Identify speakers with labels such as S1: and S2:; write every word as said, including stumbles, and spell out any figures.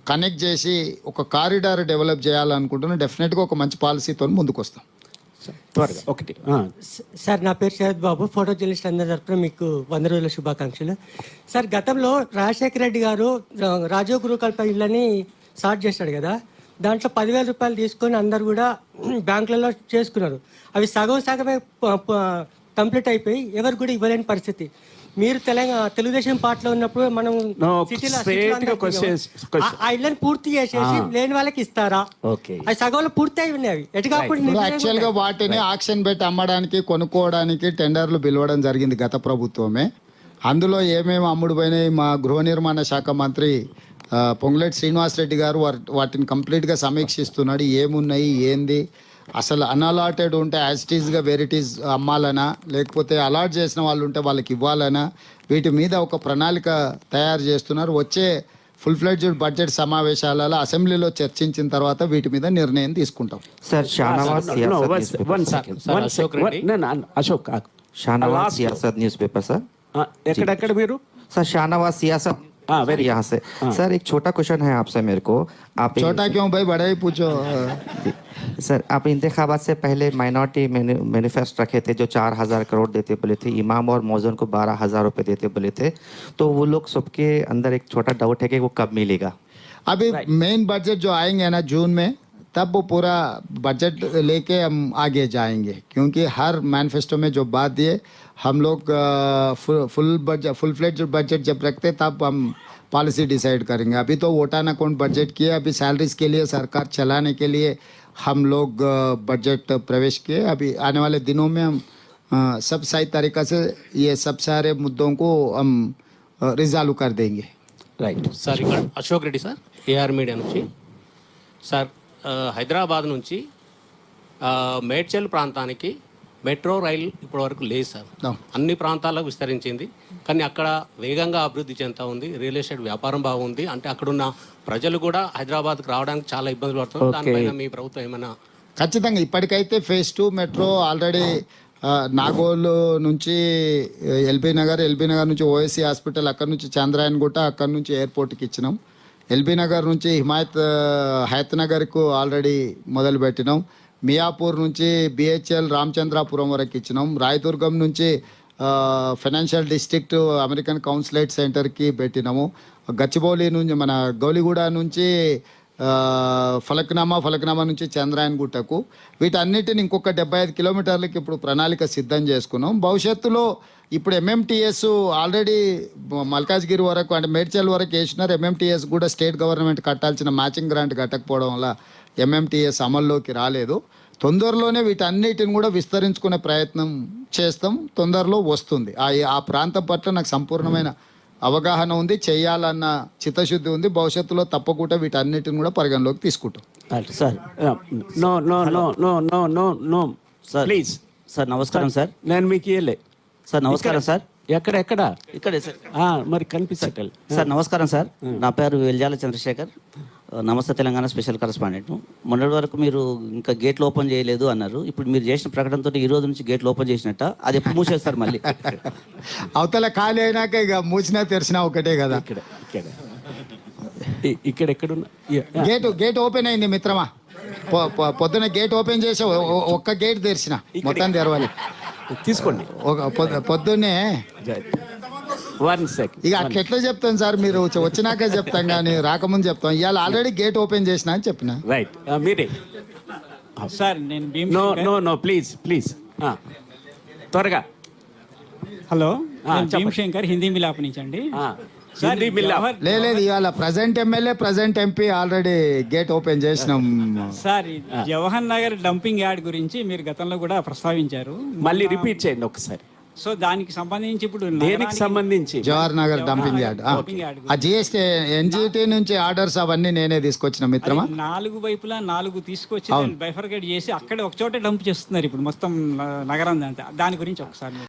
S1: Connect చేసి ఒక corridor develop చేయాలనుకుంటున్నాం. డెఫినెట్గా ఒక మంచి పాలసీతో ముందుకు వస్తాం.
S2: త్వరగా ఒకటి
S3: సార్, నా పేరు శరత్ బాబు, ఫోటో జర్నలిస్ట్. అందరి తరపున మీకు వంద రోజుల శుభాకాంక్షలు. సార్, గతంలో రాజశేఖర రెడ్డి గారు రాజీవ్ గృహకల్ప ఇళ్ళని స్టార్ట్ చేశాడు కదా, దాంట్లో పదివేల రూపాయలు తీసుకొని అందరు కూడా బ్యాంకులలో చేసుకున్నారు. అవి సగం సగమే కంప్లీట్ అయిపోయి ఎవరు కూడా ఇవ్వలేని పరిస్థితి. మీరు తెలంగాణ తెలుగుదేశం పార్టీలో ఉన్నప్పుడు మనం ఆ ఇళ్ళని పూర్తి చేసేసి లేని వాళ్ళకి ఇస్తారా? అవి సగంలో పూర్తి అయి ఉన్నాయి. ఎటు కాకుండా
S1: యాక్చువల్ గా వాటిని ఆక్షన్ పెట్టి అమ్మడానికి కొనుక్కోవడానికి టెండర్లు పిలవడం జరిగింది గత ప్రభుత్వమే. అందులో ఏమేమి అమ్ముడు పోయినాయి మా గృహ నిర్మాణ శాఖ మంత్రి పొంగులేటి శ్రీనివాసరెడ్డి గారు వాటిని కంప్లీట్గా సమీక్షిస్తున్నాడు. ఏమున్నాయి ఏంది, అసలు అన్అలాటెడ్ ఉంటే యాజిటీస్గా వెరైటీస్ అమ్మాలనా, లేకపోతే అలాట్ చేసిన వాళ్ళు ఉంటే వాళ్ళకి ఇవ్వాలనా, వీటి మీద ఒక ప్రణాళిక తయారు చేస్తున్నారు. వచ్చే ఫుల్ ఫ్లెడ్జ్డ్ బడ్జెట్ సమావేశాలలో అసెంబ్లీలో చర్చించిన తర్వాత వీటి మీద నిర్ణయం తీసుకుంటాం.
S4: Sir, Shahnawaz Siasat newspaper sir.
S2: ఎక్కడెక్కడ మీరు?
S4: सर शाहनवाज सियासत
S2: हाँ वेरी
S4: यहाँ से। सर एक छोटा क्वेश्चन है आपसे मेरे को। आप
S1: छोटा क्यों भाई, बड़ा ही पूछो।
S4: सर, आप इंतखाबात से पहले माइनॉरिटी मैनिफेस्ट रखे थे जो चार हजार करोड़ देते बोले थे, इमाम और मौजून को बारह हजार रुपये देते बोले थे, तो वो लोग सबके अंदर एक छोटा डाउट है कि वो कब मिलेगा?
S1: अभी मेन बजट जो आएंगे ना जून में, तब वो पूरा बजट लेके हम आगे जाएंगे, क्योंकि हर मैनिफेस्टो में जो बात दिए हम लोग full budget full fledged budget जब रखते तब हम पॉलिसी डिसाइड करेंगे. अभी तो वोटान अकाउंट बजट किए, अभी सैलरीज के लिए सरकार चलाने के लिए हम लोग बजट प्रवेश किए. अभी आने वाले दिनों में हम सब सही तरीक़ा से ये सब सारे मुद्दों को हम रिजॉल्व कर देंगे.
S5: రైట్ సార్, ఇక్కడ Ashok Reddy sir, AR media నుంచి. సార్, హైదరాబాద్ నుంచి మేడ్చల్ ప్రాంతానికి మెట్రో రైలు ఇప్పటివరకు లేదు సార్. అన్ని ప్రాంతాలకు విస్తరించింది, కానీ అక్కడ వేగంగా అభివృద్ధి చెందుతూ ఉంది. రియల్ ఎస్టేట్ వ్యాపారం బాగుంది. అంటే అక్కడున్న ప్రజలు కూడా హైదరాబాద్కి రావడానికి చాలా ఇబ్బందులు పడుతున్నారు. దానిపైన మీ ప్రభుత్వం ఏమైనా?
S1: ఖచ్చితంగా ఇప్పటికైతే phase two metro already Nagole నుంచి ఎల్బీ నగర్, ఎల్బీ నగర్ నుంచి ఓఎస్సీ హాస్పిటల్, అక్కడ నుంచి చంద్రాయన్ గుట్ట, అక్కడ నుంచి ఎయిర్పోర్ట్కి ఇచ్చినాం. ఎల్బీ నగర్ నుంచి హిమాయత్ హయత్ నగర్కు ఆల్రెడీ మొదలు పెట్టినాం. మియాపూర్ నుంచి బిహెచ్ఎల్ రామచంద్రాపురం వరకు ఇచ్చినాం. రాయదుర్గం నుంచి ఫైనాన్షియల్ డిస్ట్రిక్ట్ అమెరికన్ కౌన్సిలేట్ సెంటర్కి పెట్టినాము. గచ్చిబౌలి నుంచి మన గౌలిగూడ నుంచి ఫలక్నామా, ఫలక్నామా నుంచి చంద్రాయన్ గుట్టకు, వీటన్నిటిని ఇంకొక డెబ్బై ఐదు కిలోమీటర్లకి ఇప్పుడు ప్రణాళిక సిద్ధం చేసుకున్నాం. భవిష్యత్తులో ఇప్పుడు ఎంఎంటీఎస్ ఆల్రెడీ మల్కాజ్గిరి వరకు అంటే మేడ్చల్ వరకు వేసినారు. ఎంఎంటీఎస్ కూడా స్టేట్ గవర్నమెంట్ కట్టాల్సిన మ్యాచింగ్ గ్రాంట్ కట్టకపోవడం వల్ల ఎంఎంటీఎస్ అమల్లోకి రాలేదు. తొందరలోనే వీటన్నిటిని కూడా విస్తరించుకునే ప్రయత్నం చేస్తాం. తొందరలో వస్తుంది. ఆ ఆ ప్రాంతం పట్ల నాకు సంపూర్ణమైన అవగాహన ఉంది, చేయాలన్న చిత్తశుద్ధి ఉంది. భవిష్యత్తులో తప్పకుండా వీటన్నిటిని కూడా పరిగణలోకి తీసుకుంటాం.
S2: Sir, no no no no no no no
S4: sir
S2: please.
S4: Sir నమస్కారం సార్.
S2: నేను మీకు ఇయ్యలే
S4: సార్. నమస్కారం సార్.
S2: ఎక్కడ ఎక్కడ
S4: ఇక్కడే సార్.
S2: మరి కనిపించట్లేదు
S4: సార్. నమస్కారం సార్, నా పేరు వెల్జాల చంద్రశేఖర్, నమస్తే తెలంగాణ స్పెషల్ కరెస్పాండెంట్. మొన్నటి వరకు మీరు ఇంకా గేట్లు ఓపెన్ చేయలేదు అన్నారు. ఇప్పుడు మీరు చేసిన ప్రకటనతో ఈ రోజు నుంచి గేట్లు ఓపెన్ చేసినట్ట, అది ఎప్పుడు మూసేస్తారు మళ్ళీ?
S1: అవతల ఖాళీ అయినాక ఇక మూసినా తెరిచినా ఒకటే కదా.
S2: ఇక్కడ ఇక్కడ ఇక్కడ ఎక్కడున్నా
S1: గేట్ గేట్ ఓపెన్ అయింది మిత్రమా. పొద్దున గేట్ ఓపెన్ చేసి ఒక్క గేట్ తెరిచిన, మొత్తం తెరవాలి.
S2: తీసుకోండి.
S1: పొద్దున్నే
S2: వన్ సెకండ్.
S1: ఇక అట్లా ఎట్లా చెప్తాను సార్, మీరు వచ్చినాకే చెప్తాం కానీ రాకముందు చెప్తాం. ఇవాళ ఆల్రెడీ గేట్ ఓపెన్ చేసిన అని చెప్పిన.
S2: రైట్, మీరే
S6: సార్. నేను
S2: no no no please please త్వరగా.
S6: హలో, భీమశంకర్, హిందీ మిలాప్ నుంచి అండి.
S1: లేదు, ఇవాళ present MLA present MP already gate open చేసినాం
S6: sir. Jawahar Nagar dumping yard గురించి మీరు గతంలో కూడా ప్రస్తావించారు,
S2: మళ్ళీ రిపీట్ చేయండి ఒకసారి.
S6: సో దానికి సంబంధించి ఇప్పుడు
S2: దేనికి సంబంధించి?
S1: Jawahar Nagar dumping yard. ఆ జిఎస్టీ ఎన్జిటి నుంచి ఆర్డర్స్ అవన్నీ నేనే తీసుకొచ్చిన మిత్రమా.
S6: నాలుగు వైపులా నాలుగు తీసుకొచ్చి బైఫర్కేట్ చేసి అక్కడ ఒక చోట డంప్ చేస్తున్నారు ఇప్పుడు మొత్తం నగరం. దాని గురించి ఒకసారి